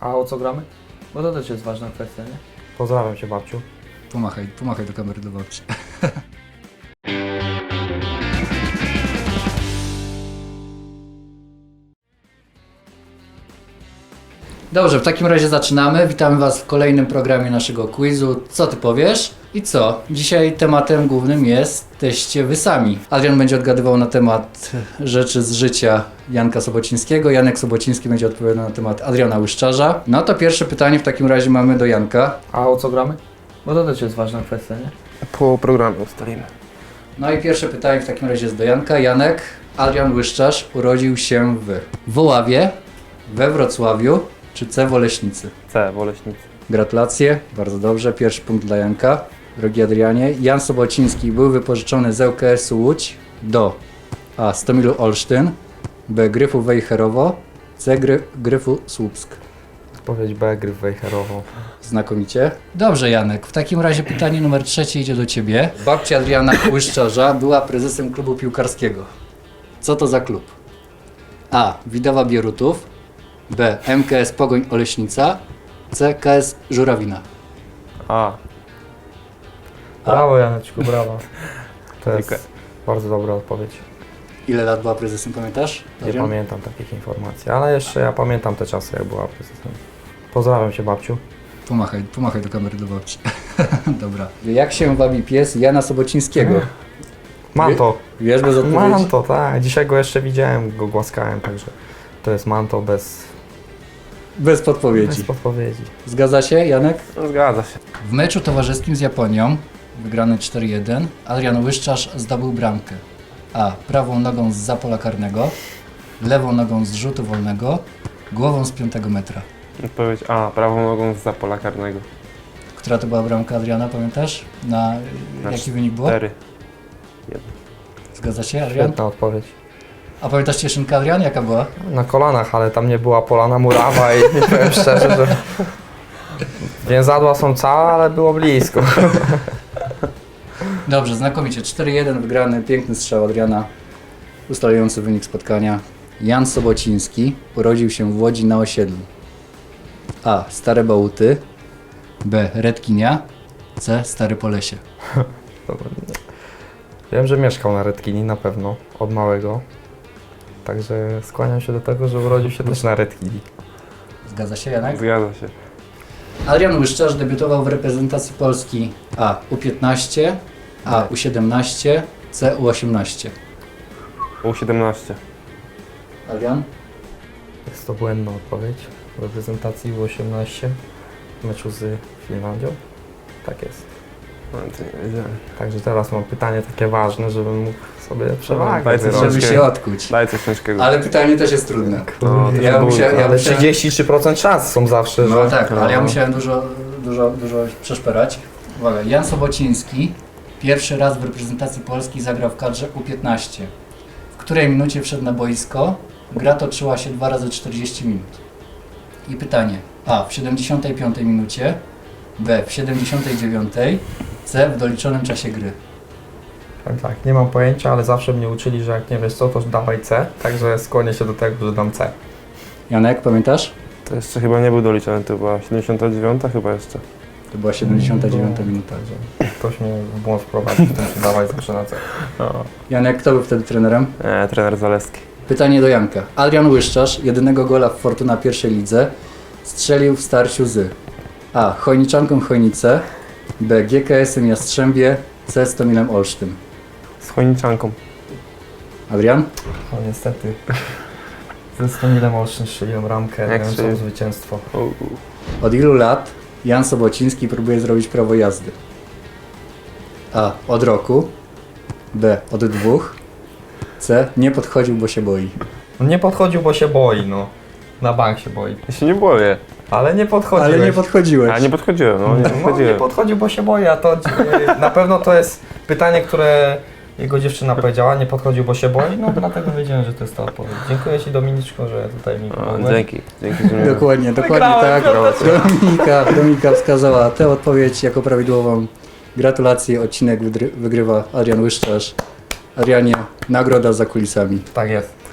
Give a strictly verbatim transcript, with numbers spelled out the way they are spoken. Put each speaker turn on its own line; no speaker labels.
A o co gramy? Bo to też jest ważna kwestia, nie?
Pozdrawiam cię, babciu.
Pomachaj, pomachaj do kamery do babci. Dobrze, w takim razie zaczynamy. Witamy Was w kolejnym programie naszego quizu. Co Ty powiesz? I co? Dzisiaj tematem głównym jesteście Wy sami. Adrian będzie odgadywał na temat rzeczy z życia Janka Sobocińskiego. Janek Sobociński będzie odpowiadał na temat Adriana Łyszczarza. No to pierwsze pytanie w takim razie mamy do Janka.
A o co gramy? Bo to też jest ważna kwestia, nie?
Po programie ustalimy.
No i pierwsze pytanie w takim razie jest do Janka. Janek, Adrian Łyszczarz urodził się w Woławie, we Wrocławiu czy C w Oleśnicy?
C, Woleśnicy.
Gratulacje, bardzo dobrze. Pierwszy punkt dla Janka. Drogi Adrianie, Jan Sobociński był wypożyczony z ŁKS-u Łódź do A. Stomilu Olsztyn, B. Gryfu Wejherowo, C. Gry, Gryfu Słupsk.
Odpowiedź B, Gryf Wejherowo.
Znakomicie. Dobrze, Janek. W takim razie pytanie numer trzecie idzie do Ciebie. Babcia Adriana Łyszczarza była prezesem klubu piłkarskiego. Co to za klub? A. Widowa Bierutów, B. M K S Pogoń Oleśnica, C. K S Żurawina.
A.
Brawo, Janeczku, brawo. To jest
Dziękuję.
bardzo dobra odpowiedź.
Ile lat była prezesem, pamiętasz?
Nie
Adrian?
pamiętam takich informacji, ale jeszcze ja pamiętam te czasy, jak była prezesem. Pozdrawiam cię, babciu.
Pomachaj, pomachaj do kamery do babci. Dobra. Jak się wabi pies Jana Sobocińskiego?
Manto.
Wiesz bez odpowiedzi?
Manto, tak. Dzisiaj go jeszcze widziałem, go głaskałem, także to jest Manto bez,
Bez podpowiedzi.
bez podpowiedzi.
Zgadza się, Janek?
No, zgadza się.
W meczu towarzyskim z Japonią, wygrany cztery jeden, Adrian Łyszczarz zdobył bramkę. A. Prawą nogą z pola karnego, lewą nogą z rzutu wolnego, głową z piątego metra.
Odpowiedź A, prawą nogą z pola karnego.
Która to była bramka Adriana, pamiętasz? Na,
Na
jaki wynik było?
cztery.
Zgadza się, Adrian?
Świetna odpowiedź.
A pamiętasz cieszynkę, Adrian? Jaka była?
Na kolanach, ale tam nie była polana murawa i powiem szczerze, że więzadła są całe, ale było blisko.
Dobrze, znakomicie. cztery jeden wygrany, piękny strzał Adriana, ustalający wynik spotkania. Jan Sobociński urodził się w Łodzi na osiedlu. A. Stare Bałuty, B. Redkinia, C. Stary Polesie.
Wiem, że mieszkał na Redkini na pewno, od małego. Także skłaniam się do tego, że urodził się też na Redkini.
Zgadza się, Janek?
Zgadza się.
Adrian Łyszczarz debiutował w reprezentacji Polski A. U piętnaście, A. U siedemnaście, C. U osiemnaście.
U siedemnaście.
Adrian?
Jest to błędna odpowiedź. W reprezentacji U osiemnaście w meczu z Finlandią. Tak jest.
No, to nie wiedziałem.
Także teraz mam pytanie takie ważne, żebym mógł sobie przewagę
Daj coś
wyrobić.
Żeby się odkuć.
Daj coś ciężkiego.
Ale pytanie też jest trudne.
No, to
Ja
było-
musiałem- ja
Ale
musiałem-
trzydzieści trzy procent szans są zawsze,
No
że...
tak, ale ja musiałem dużo, dużo, dużo przeszperać. Uwaga, Jan Sobociński pierwszy raz w reprezentacji Polski zagrał w kadrze U piętnaście. W której minucie wszedł na boisko? Gra toczyła się dwa razy czterdzieści minut. I pytanie: A. W siedemdziesiątej piątej minucie, B. W siedemdziesiątej dziewiątej, C. W doliczonym czasie gry.
Tak, tak, nie mam pojęcia, ale zawsze mnie uczyli, że jak nie wiesz co, to dawaj C. Także skłonię się do tego, że dam C.
Janek, pamiętasz?
To jeszcze chyba nie był doliczony, to była siedemdziesiąta dziewiąta chyba jeszcze.
To była siedemdziesiąta dziewiąta minuta.
Także ktoś mnie w błąd wprowadził, to dawaj zawsze na C.
No.
Janek, kto był wtedy trenerem?
E, trener Zaleski.
Pytanie do Janka. Adrian Łyszczarz, jedynego gola w Fortuna pierwszej lidze, strzelił w starciu z A. Chojniczanką Chojnice, B. G K S-em Jastrzębie, C. Stomilem Olsztyn.
Z Chojniczanką.
Adrian?
No niestety. Ze Stomilem Olsztyn strzeliłem ramkę,
Jak
dającą
strzelił?
zwycięstwo.
U, u.
Od ilu lat Jan Sobociński próbuje zrobić prawo jazdy? A. Od roku, B. Od dwóch, C. Nie podchodził, bo się boi.
No nie podchodził, bo się boi, no. Na bank się boi.
Ja się nie boję.
Ale nie podchodził.
Ale nie podchodziłeś.
A nie podchodziłem, no nie
No, nie
podchodziłem.
podchodził, bo się boi, a to e, na pewno to jest pytanie, które jego dziewczyna powiedziała, nie podchodził, bo się boi, no dlatego wiedziałem, że to jest ta odpowiedź. Dziękuję Ci, Dominiczko, że tutaj mi
O,
pomogłeś.
dzięki. Dzięki, że mnie...
Dokładnie, dokładnie
Wygrałem,
tak. Dominika, Dominika wskazała tę odpowiedź jako prawidłową. Gratulacje, odcinek wygry- wygrywa Adrian Łyszczarz. Adrianie, nagroda za kulisami.
Tak jest.